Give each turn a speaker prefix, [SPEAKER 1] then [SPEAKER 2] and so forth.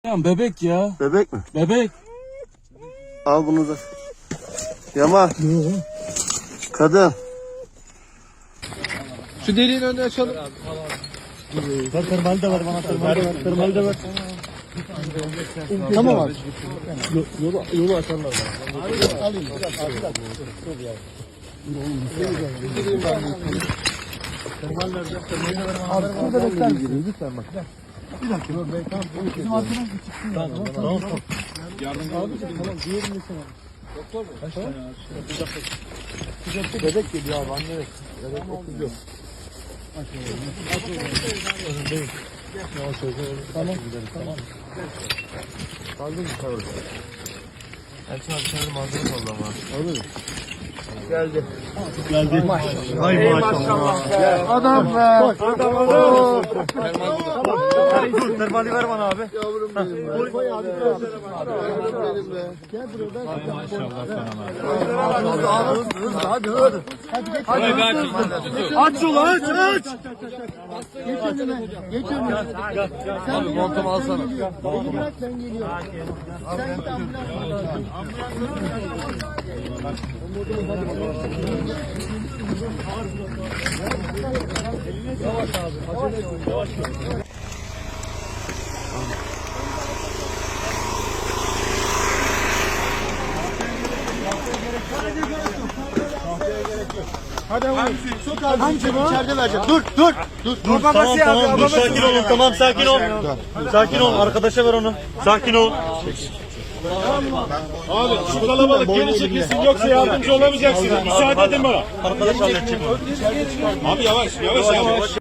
[SPEAKER 1] Bebek ya.
[SPEAKER 2] Bebek mi?
[SPEAKER 1] Bebek.
[SPEAKER 2] Al bunu da. Yaman. Kadın.
[SPEAKER 3] Şu deliğin önünü açalım.
[SPEAKER 4] Tırmalı da var bana, tırmalı da var. Tamam abi. Yolu açarlar. Alayım. Tırmalı nerede? Abi burada bekler misin? Lütfen bak. Bir dakika. Bizim arkadan çıksın. Tamam. Yardım abi. Tamam. Diğerini desene. Doktor mu? Kaç tane ağaç? Bebek geliyor abi. Anne. Bebek okuyor. Tamam. Kaldın mı kavur? Elçin abi sen de malzeme kaldı ama. Olur mu? Geldi. Maşallah. Ay maşallah. Adam be. Adam. Termali ver bana abi. Yavrum benim be. Koy abi. Yavrum benim be. Gel buraya. Ay maşallah sana. Hadi hadi. Hadi. Aç yolu aç. Geç önüne. Geç önüne. Abi montumu alsana. Beni bırak ben geliyorum. Sen git ambulans. Yavaş abi. Acele et. Yavaş. Hadi çok az. Hamsi içeride vereceğim. Dur. Tamam dur sakin olun. Tamam sakin ol. Sakin ol. Arkadaşa ver onu. Sakin ol.
[SPEAKER 5] Abi şu kalabalık geri çekilsin yoksa yardımcı olamayacaksınız. Müsaade edin bana.
[SPEAKER 4] Arkadaş halledecek onu.
[SPEAKER 5] Abi yavaş.